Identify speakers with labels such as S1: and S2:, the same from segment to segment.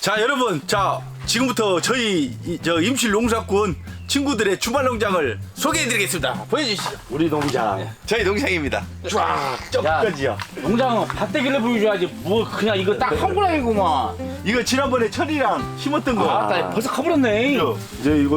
S1: 자 여러분, 자 지금부터 저희 저 임실 농사꾼 친구들의 주말 농장을 소개해드리겠습니다. 보여주시죠.
S2: 우리 농장.
S1: 저희 농장입니다. 쫙 저까지요.
S3: 농장은 밭대길래 보여줘야지 뭐 그냥 이거 딱 한 고랑이구만.
S1: 이거 지난번에 철이랑 심었던 거.
S3: 아, 벌써 커버렸네.
S2: 이제 이거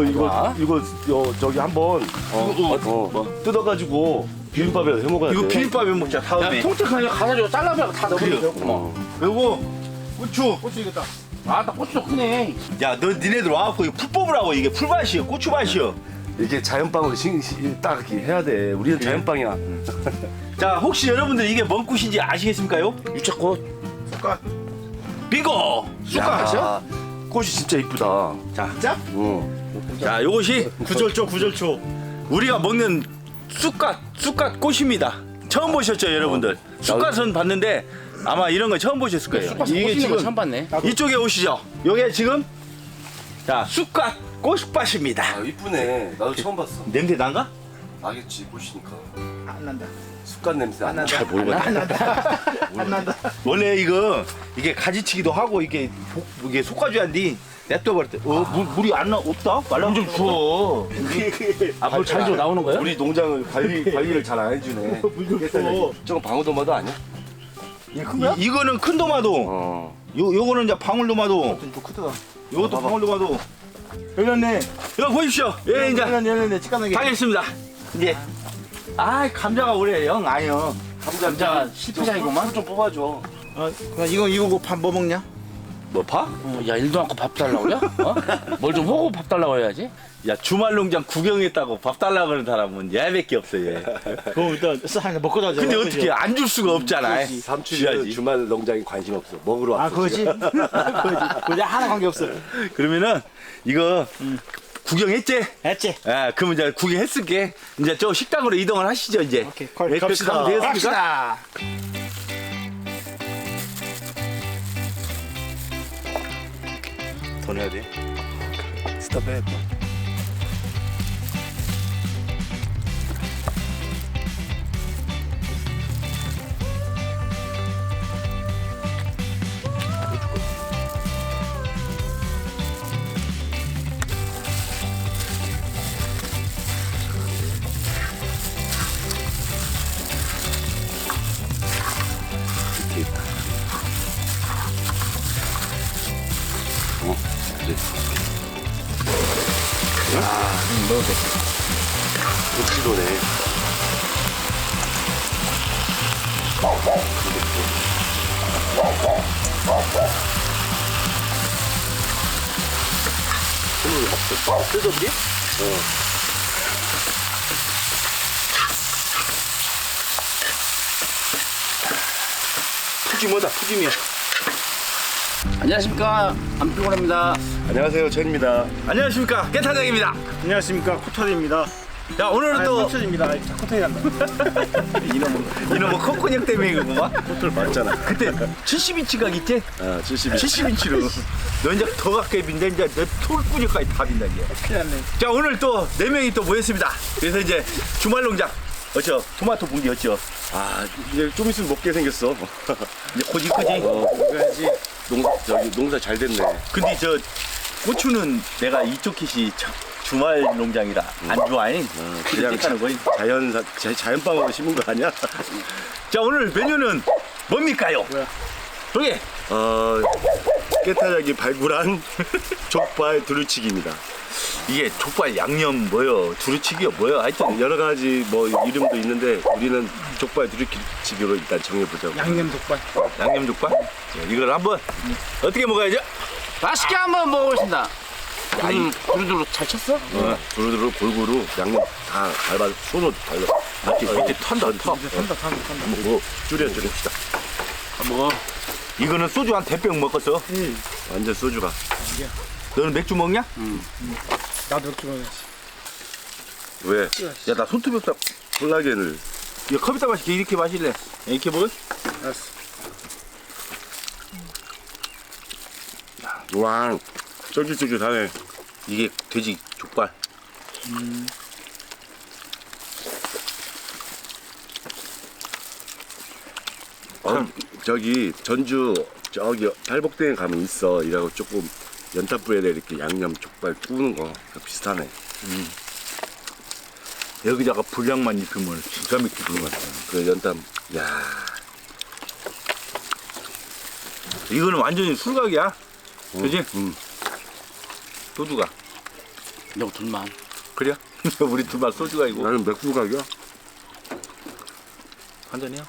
S2: 저기 한번
S1: 뭐?
S2: 뜯어가지고 비빔밥에 해 먹어야 돼.
S1: 이거 비빔밥에 먹자
S3: 야,
S1: 다음에.
S3: 통째로 그냥 가가지고 잘라면 다 넣어버리면 되겠구만.
S1: 그리고 고추.
S3: 고추 이거다. 아, 딱 고추도 크네.
S1: 야, 너 니네들 와갖고 이거 풀 뽑으라고. 이게 풀밭이요, 고추밭이요.
S2: 이게 자연빵으로 딱 이렇게 해야 돼. 우리는 자연빵이야.
S1: 자, 혹시 여러분들 이게 뭔 꽃인지 아시겠습니까요?
S3: 유채꽃.
S1: 쑥갓. 빙고. 쑥갓이요?
S2: 야, 꽃이 진짜 이쁘다.
S1: 자, 자,
S2: 응.
S1: 자, 요것이 구절초. 우리가 먹는 쑥갓 꽃입니다. 처음 보셨죠, 여러분들? 쑥갓은 봤는데 아마 이런 거 처음 보셨을 거예요.
S3: 이게 지금 처음 봤네.
S1: 이쪽에 오시죠. 요게 지금 자 쑥갓 꽃밭입니다.
S2: 아, 이쁘네. 나도 처음 봤어.
S1: 냄새 난가?
S2: 나겠지, 꽃이니까.
S1: 안 난다.
S2: 쑥갓 냄새 안 나.
S1: 잘 모르겠네. 안 난다. 원래 이게 가지치기도 하고 이게 솎아줘야지. 냅둬버릴 때. 물이 안 나 없다? 말라 좀 줘.
S3: 물 잘 줘 나오는 거야?
S2: 우리 농장을 관리를 잘 안 해주네. 저건 방울토마토 아니야?
S1: 이거는 큰 도마도. 요거는 이제 방울도마도.
S4: 좀 크다.
S1: 요것도 방울도마도. 열렸네. 이거 보십시오. 예, 이제
S4: 열렸네. 치까나게.
S1: 가겠습니다. 이제. 아, 감자가 오래 영 아니요.
S3: 감자가 실패장이구만.
S2: 좀 뽑아줘.
S4: 이거 밥 뭐 먹냐?
S1: 뭐 파?
S3: 야, 일도 않고 밥 달라고 그래? 어? 뭘 좀 하고 밥 달라고 해야지.
S1: 야, 주말 농장 구경했다고 밥 달라고 그러는 사람은 얘밖에 없어, 얘.
S4: 그럼 일단 하나 먹고 자자.
S1: 근데 어떻게 안 줄 수가 없잖아.
S2: 삼촌이
S1: 줘야지.
S2: 주말 농장에 관심 없어. 먹으러 왔어.
S4: 아, 그거지? 그거지. 하나 관계 없어.
S1: 그러면은 이거 구경했지?
S4: 했지?
S1: 아, 그럼 이제 구경했을게. 이제 저 식당으로 이동을 하시죠, 이제.
S4: 오케이,
S1: 네,
S4: 갑시다.
S1: 가면 되겠습니까?
S4: 갑시다.
S1: 더 넣어야 돼. 스탑해.
S2: 고치도네.
S1: 뜯어드려? 푸짐하다, 푸짐해.
S3: 안녕하십니까. 안피곤합니다.
S2: 안녕하세요, 전입니다.
S1: 안녕하십니까, 깨타장입니다.
S4: 안녕하십니까. 코털입니다.
S1: 자, 오늘은 또
S4: 코털입니다. 코털이 간다.
S1: 이놈의 콧근육 때문에 그거구만.
S2: 호텔 맞잖아.
S1: 그때 70인치 각 있지?
S2: 아, 70.
S1: 70인치로. 너 이제 더 가까이 빈다. 이제 내 톨근육까지 다 빈다, 이제.
S4: 큰일 났네.
S1: 자, 오늘 또 4명이 또 모였습니다. 그래서 이제 주말 농장. 어쩌? 토마토 bun기 어쩌?
S2: 아, 이제 좀 있으면 먹게 생겼어.
S1: 이제 고지 크지?
S2: 그래야지. 농사 잘 됐네.
S1: 근데 저 고추는 내가 이쪽 킷이 주말 농장이라 안 좋아해.
S2: 그냥
S1: 하는 거지.
S2: 자연빵으로 심은 거 아니야?
S1: 자, 오늘 메뉴는 뭡니까요? 저기
S2: 깨타작이 발굴한 족발 두루치기입니다.
S1: 이게 족발 양념 뭐요? 두루치기요 뭐요? 하여튼
S2: 여러 가지 뭐 이름도 있는데 우리는 족발 두루치기로 일단 정해보자고.
S4: 양념 족발.
S1: 양념 족발. 자, 이걸 한번 어떻게 먹어야죠?
S3: 맛있게 한번 먹어보겠습니다. 두루두루 잘 쳤어?
S2: 두루두루 골고루 양념 다 밟아서 손으로 발라.
S1: 밑에 탄다 타.
S2: 뭐 줄여줍시다.
S3: 먹어.
S1: 이거는 소주 한 대병 먹었어.
S2: 완전 소주가.
S1: 너는 맥주 먹냐?
S4: 나도 맥주 먹어야지.
S2: 왜?
S1: 야, 나 손톱이 없다.
S2: 콜라겐을.
S1: 이거 컵에다 마실게. 이렇게 마실래? 이렇게 먹을?
S4: 알았어.
S2: 와, 쫄깃쫄깃하네.
S1: 이게 돼지 족발.
S2: 저기 전주 저기 탈복대에 가면 있어. 이라고 조금 연탄불에 이렇게 양념 족발 구우는 거 비슷하네.
S1: 여기다가 불량만 입히면 기가 막히는 것 같아.
S2: 그 연탄. 야,
S1: 이거는 완전히 술각이야. 그지? 소주가.
S3: 너 둘만.
S1: 그래? 우리 둘만 소주가 이고
S2: 나는 맥주 가격.
S1: 한 잔이야?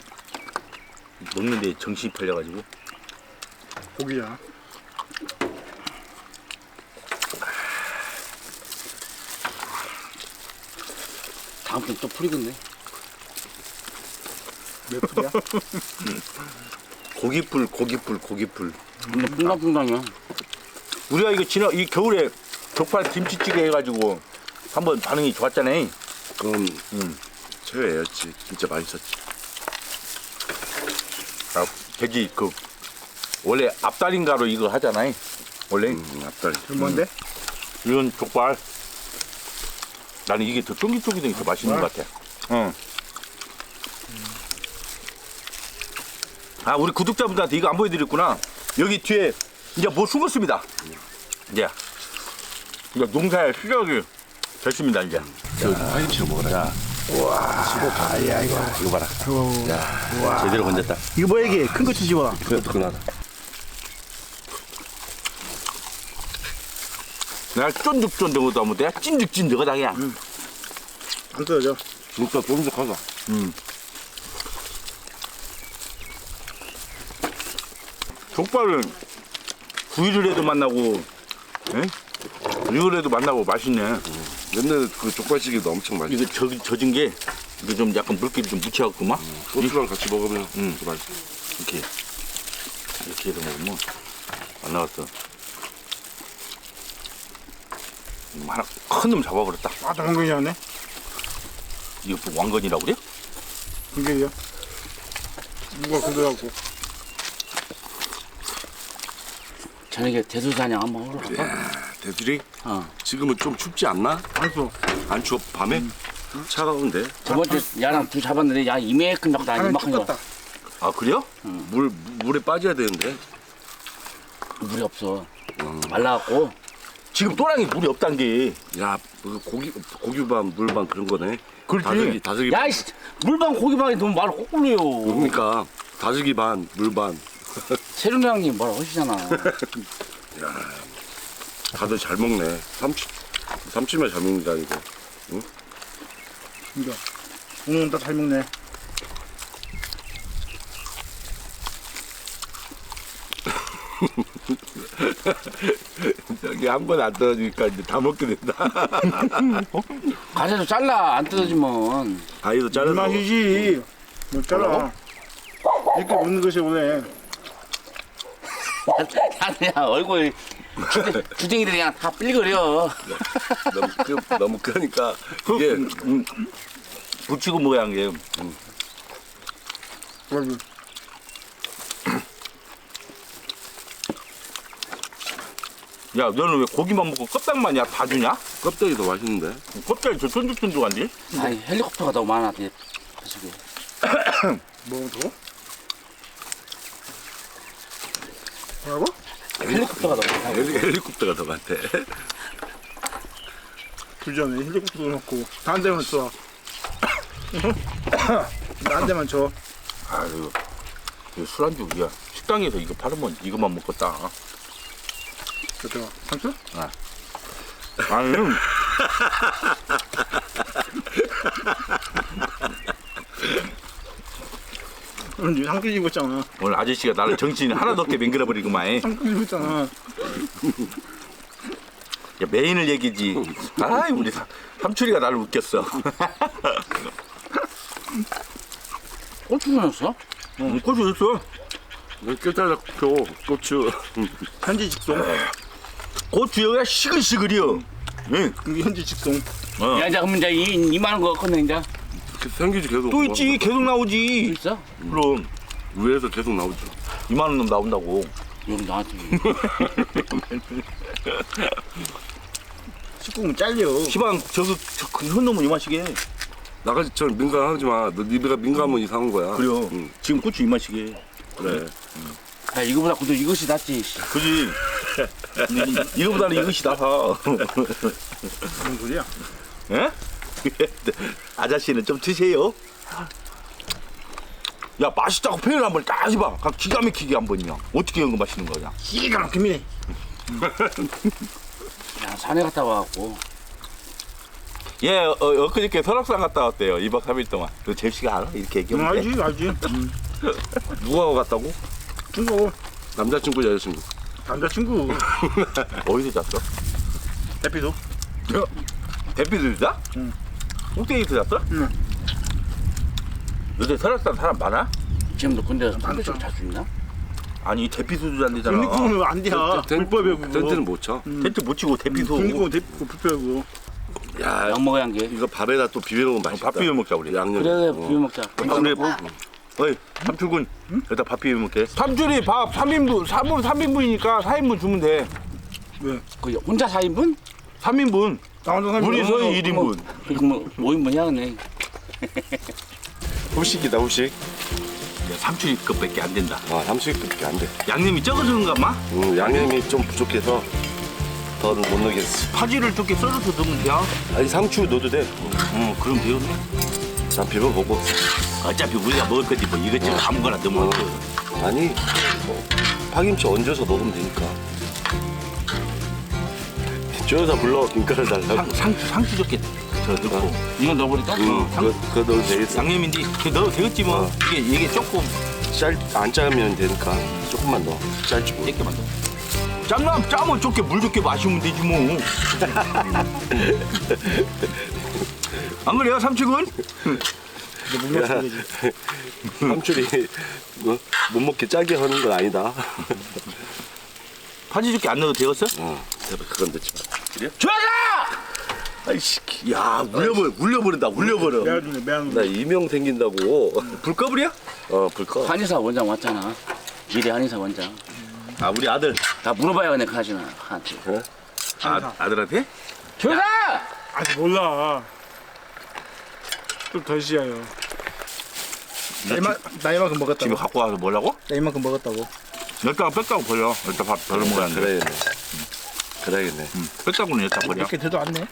S1: 먹는데 정신이 팔려가지고.
S4: 고기야.
S3: 다음 주에 또 풀이겠네.
S4: 몇 풀이야?
S1: 고기풀.
S3: 풍당풍당이야.
S1: 우리가 이거 이 겨울에 족발 김치찌개 해가지고 한번 반응이 좋았잖아.
S2: 그럼 최애였지. 진짜 맛있었지.
S1: 아, 돼지 원래 앞다리인가로 이거 하잖아. 원래
S2: 앞다리.
S4: 그 뭔데?
S1: 이런 족발. 나는 이게 더 쫄깃쫄깃한 게 더 맛있는 것 같아. 응. 아, 우리 구독자분들한테 이거 안 보여드렸구나. 여기 뒤에 이제 뭐 숨었습니다. 이제 농사의 시작이 됐습니다, 이제.
S2: 파김치 먹어라.
S1: 이거 봐라. 야, 제대로 건졌다.
S4: 이거 뭐야 이게? 큰 거 주지 마.
S2: 그것도 그나다.
S1: 내가 쫀득쫀득하다 하면 내가 찐득찐득하다, 그냥.
S4: 안 떨어져.
S2: 진짜 쫀득하다.
S1: 족발은 구이를 해도 맛나고, 이걸 해도 맛나고 맛있네.
S2: 옛날에 그 족발찌개도 엄청 맛있어.
S1: 이거 젖은 게, 이거 좀 약간 물기를 좀 묻혀갖고 막,
S2: 소스랑 같이 먹으면 또 맛있어.
S1: 이렇게 해서 먹으면 안 나왔어. 하나 큰 놈 잡아버렸다.
S4: 아, 당근이었네.
S1: 이거 뭐 왕건이라고 그래?
S4: 이게요. 누가 그러고.
S3: 저녁에 대수사냥 한번 하러 갈까?
S2: 야, 대들이
S3: 어.
S2: 지금은 좀 춥지 않나?
S4: 안 써.
S2: 안 추워? 밤에? 차가운데?
S3: 저번 주 야랑 둘 잡았는데 야 이만큼 잡고 나
S4: 하나
S3: 이만큼 잡
S4: 똑같다.
S1: 아, 그래요?
S2: 물에 빠져야 되는데.
S3: 물이 없어. 말라갖고.
S1: 지금 또랑이 물이 없단 게.
S2: 야, 그 고기반, 물반 그런 거네.
S1: 그렇지.
S2: 다슬기.
S3: 야 이씨 물방 고기방에 너무 말을 거꾸로요.
S2: 그러니까 다슬기 반, 물반.
S3: 세륜 형님 뭐라 하시잖아.
S2: 다들 잘 먹네. 삼치만 잘 먹는다 이거.
S4: 진짜. 오늘은 다 잘 먹네.
S1: 여기 한 번 안 떨어지니까 이제 다 먹게 된다.
S3: 가세도 잘라 안 뜯어지면.
S2: 아이도
S4: 이
S2: 자르고.
S4: 맛이지. 뭐 잘라. 이렇게 먹는 것이 오네.
S3: 야 얼굴 주댕이들이 그냥 다 삘거려.
S2: 너무 크니까 이게
S1: 붙이고 먹어야 한 게.
S4: 여러분.
S1: 야, 너는 왜 고기만 먹고 껍데기만이야? 다 주냐?
S2: 껍데기 더 맛있는데.
S1: 껍데기 저 쫀득쫀득한데?
S3: 아니 헬리콥터가 너무 많아. 그 속에.
S4: 먹으면 더? 뭐라고?
S3: 헬리콥터가 너무 많아.
S2: 헬리콥터가 더 같아.
S4: 불전에 헬리콥터도 넣고 다 한 대만 써. 나 한 대만 줘.
S1: 아유, 이거 술안주, 야, 식당에서 이거 팔으면 이것만 먹겠다.
S4: 저거 상추?
S1: 아니,
S4: 오늘 상추 입었잖아.
S1: 오늘 아저씨가 나를 정신 하나도 없게 맹글어버리구만.
S4: 상추 입었잖아.
S1: 야, 메인을 얘기지. 아이, 우리 삼촌이가 나를 웃겼어.
S3: 고추 넣었어?
S1: 고추 있어.
S2: 깨달았고 고추.
S4: 현지 직송.
S1: 고추 여기가 시글시글이요. 응.
S4: 이게 현지 직송.
S1: 어.
S3: 야 이제 그러면 이제 이만한 거 컸네 이제.
S2: 생기지 계속.
S1: 또 있지. 계속 나오지.
S3: 있어?
S1: 그럼
S2: 위에서 계속 나오죠.
S1: 이만한 놈 나온다고.
S3: 여기 나한테.
S4: 식구면 잘려.
S1: 시방 큰 놈은 이만씩해.
S2: 나같이처럼 민감하지 마. 너 니가 민감하면 이상한 거야.
S1: 그래요.
S2: 응.
S1: 지금 고추 이만씩해.
S2: 그래.
S3: 야, 이거보다 그래도 이것이 낫지.
S1: 그지? 이거보다는 이것이 나서.
S4: 무슨 소리야?
S1: 예? 아저씨는 좀 드세요. 야, 맛있다고 표현 한번 딱 해봐. 기가 막히게 한번요. 어떻게 이런 거 맛있는 거야?
S4: 기가 막힙니다.
S3: 야, 산에 갔다 와갖고.
S1: 예, 엊그저께 설악산 갔다 왔대요. 2박 3일 동안. 너 제시가 알아? 이렇게 얘기하면 돼?
S4: 알지.
S2: 누가 갔다고?
S4: 친구,
S2: 남자친구 여자친구.
S4: 남자친구,
S1: 어디서 잤어?
S4: 대피도.
S1: 대피도 잤어?
S4: 응.
S1: 꼭대기에서 잤어?
S4: 응.
S1: 요새 설악산 사람 많아?
S3: 지금도 근데 반대쪽 잘수 있나?
S1: 아니, 대피소도 잔대잖아.
S4: 국립공원은 안 돼야. 불법이야 그거.
S2: 텐트는 못 쳐.
S1: 텐트 못 치고 대피소.
S4: 국립공원 불법이고.
S2: 야,
S3: 약 먹어야 한 게.
S2: 이거 밥에다 또 비벼놓으면 맛있다.
S1: 밥 비벼 먹자, 우리.
S2: 양념.
S3: 그래, 비벼 먹자.
S1: 아, 우리 어이, 삼출군. 여기다 밥 비벼 먹게. 삼출이 밥 3인분, 3인분이니까 4인분 주면 돼.
S4: 왜?
S3: 그 혼자 4인분?
S1: 3인분.
S4: 나 혼자 살면
S1: 우리 서희 1인분.
S3: 그럼 5인분 해야겠네.
S2: 후식이다 후식.
S1: 삼출이 것밖에 안 된다.
S2: 아, 삼식밖에 안 돼.
S1: 양념이 적어주는가 마?
S2: 양념이 좀 부족해서 더는 못 넣겠어.
S1: 파지를 조금 썰어서 넣으면 돼요.
S2: 아니 상추 넣어도 돼.
S1: 그럼 되겠네.
S2: 난 비벼보고.
S1: 어차피 우리가 먹을 거지 뭐 이것저것 아무거나 넣으면 돼.
S2: 아니 뭐, 파김치 얹어서 먹으면 되니까. 쪼여서 불러 김가루 달라고.
S1: 상추 좋게 저 넣고.
S3: 이건 넣어버릴까?
S2: 그거 넣어도 되겠어.
S1: 양념인데 그 넣어도 되겠지 뭐. 이게 조금
S2: 안 짜면 되니까 조금만 넣어. 짤지 뭐.
S1: 짧게만 넣어. 짜면 좋게 물 좋게 마시면 되지 뭐. 안 그래요 삼촌은?
S2: 야, 삼촌이 못 먹게 짜게 하는 건 아니다.
S1: 파지 좋게 안 넣어도 되겠어?
S2: 그건 넣지 마.
S1: 좋아라! 아이씨, 야 울려버린다 울려버려.
S4: 매한
S2: 나 이명 생긴다고.
S1: 불 꺼버려?
S2: 불 꺼.
S3: 한의사 원장 왔잖아. 미래 한의사 원장.
S1: 아 우리 아들.
S3: 다 물어봐야겠네, 가지나. 한테.
S1: 아들한테?
S3: 조사!
S4: 아직 몰라. 좀 더 시야요. 나 이만큼 먹었다고.
S1: 집에 갖고 와서 뭐라고?
S4: 나 이만큼 먹었다고.
S1: 여기다가 뺐다고 버려. 여기다 밥 별로 먹어야 돼.
S2: 그래야겠네. 그래야겠네.
S1: 뺐다고는 여기다 버려.
S4: 이렇게 돼도 안 내.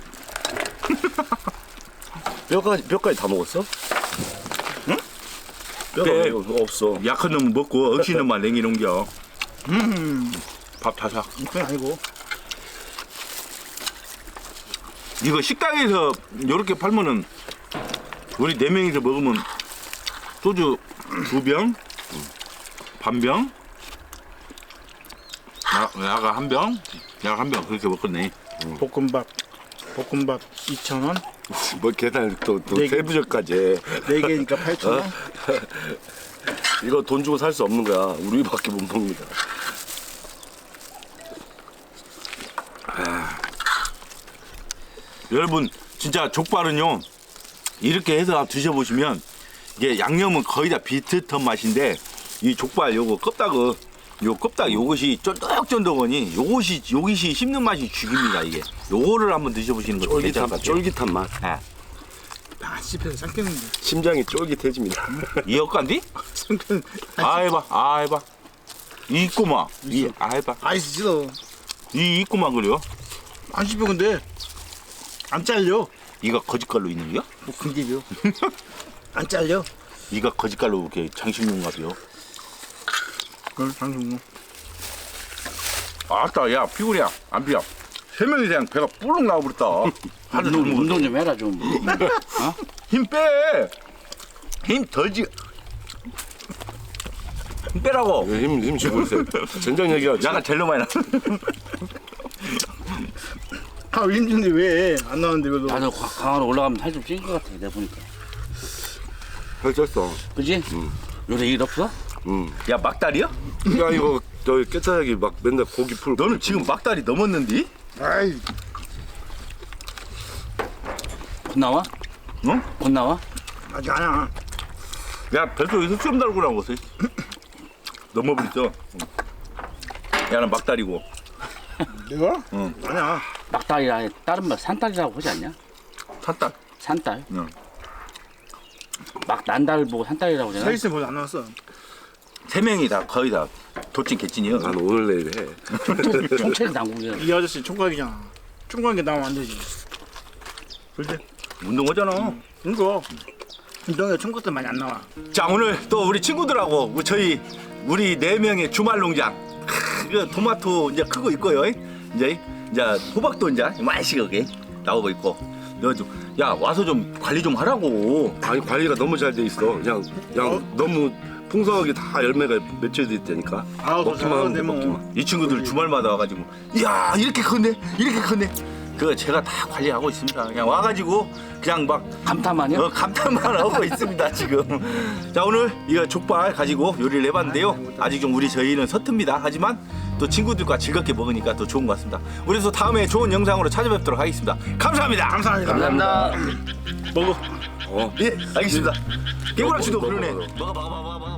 S2: 뼈까지 다 먹었어?
S1: 응?
S2: 뼈가
S1: 네.
S2: 왜 없어.
S1: 약한 놈은 먹고 억시 놈만 냉이놓겨. 밥 다 사.
S4: 그건 아니고.
S1: 이거 식당에서 이렇게 팔면은 우리 4명이서 먹으면 소주 2병, 반병, 야가 1병, 야가 1병 그렇게 먹겠네.
S4: 볶음밥 2,000원.
S2: 뭐 계산 또
S4: 네 개.
S2: 세부적까지 해.
S4: 4개니까 8,000원.
S2: 이거 돈 주고 살 수 없는 거야. 우리밖에 못 먹는다.
S1: 여러분 진짜 족발은요 이렇게 해서 드셔보시면 이게 양념은 거의 다 비슷한 맛인데 이 족발 요거 껍딱 요것이 쫀득쫀득하니 요것이 씹는 맛이 죽입니다 이게. 요거를 한번 드셔보시는 것도 괜찮을 것 같아요.
S2: 쫄깃한 맛.
S1: 예.
S4: 아, 씹혀서 삼켰는데.
S2: 심장이 쫄깃해집니다.
S1: 이 엇간디?
S4: 삼켰.
S1: 아 해봐 이 있구만 해봐
S4: 아이스 찢어.
S1: 이 있구만 그래요.
S4: 안 씹혀 근데. 안 잘려.
S1: 이가 거짓갈로 있는 거야?
S4: 뭐 근데요. 안 잘려.
S1: 이가 거짓갈로 이렇게 장식용가 봐요.
S4: 그걸 방송.
S1: 아따 야 피곤이야 안 피야. 3명이 그냥 배가 뿔룩 나와버렸다. 하도 잘 먹었어.
S3: 운동 좀 해라, 좀.
S1: 힘 빼! 힘 덜지. 힘 빼라고.
S2: 힘 주고 있어요. 전장 얘기하지.
S1: 약간 젤로 많이 나.
S4: 아, 힘든데 왜 안 나왔는데 그래도.
S3: 나도 강화로 올라가면 살 좀 찔 것 같아, 내가 보니까.
S2: 펼쳤어.
S3: 그지? 요새 일 없어?
S1: 야 막다리야?
S2: 야 이거 저 깨끗하게 막 맨날 고기 풀.
S1: 너는 지금 막다리 넘었는디?
S4: 아이,
S3: 곧 나와?
S1: 응?
S3: 곧 나와?
S4: 아직 아니야.
S1: 야 뱃속에서 수염 달고 나온 거지. 넘어버렸어. 야는 막다리고.
S4: 내가?
S1: 응.
S4: 아니야.
S3: 막다리라 해. 다른 말 산딸이라고 하지 않냐?
S1: 탔다.
S3: 산딸?
S1: 응.
S3: 막 난달 보고 산딸이라고
S4: 서
S3: 하잖아.
S4: 있으면 벌써 안 나왔어.
S1: 세 명이 다 거의 다 돌진 개찐이요.
S2: 난 오늘 내일 해.
S3: 총체는 당국이야.
S4: 이 아저씨 총각이잖아. 총각이 나오면 안 되지. 그렇지?
S1: 운동하잖아.
S4: 이거 운동에 총각들 많이 안 나와.
S1: 자 오늘 또 우리 친구들하고 우리 네 명의 주말 농장. 그 토마토 이제 크고 있고요. 이제 호박도 이제 맛있게 나오고 있고. 야 와서 좀 관리 좀 하라고.
S2: 아니 관리가 너무 잘 돼 있어. 그냥 너무 풍성하게 다 열매가 맺혀져 있다니까.
S4: 아우,
S2: 먹기만 하면 돼, 먹기만.
S1: 이 친구들 주말마다 와가지고 이야 이렇게 컸네 이렇게 컸네. 그거 제가 다 관리하고 있습니다. 그냥 와가지고 그냥 막
S3: 감탄만요?
S1: 감탄만 하고 있습니다 지금. 자 오늘 이거 족발 가지고 요리를 해봤는데요. 아직 좀 저희는 서툽니다. 하지만 또 친구들과 즐겁게 먹으니까 더 좋은 것 같습니다. 우리 또 다음에 좋은 영상으로 찾아뵙도록 하겠습니다. 감사합니다.
S4: 감사합니다.
S3: 감사합니다.
S4: 먹어.
S2: 어.
S1: 예 알겠습니다. 깨구락씨도
S2: 먹어,
S1: 그러네.
S2: 먹어.
S1: 먹어.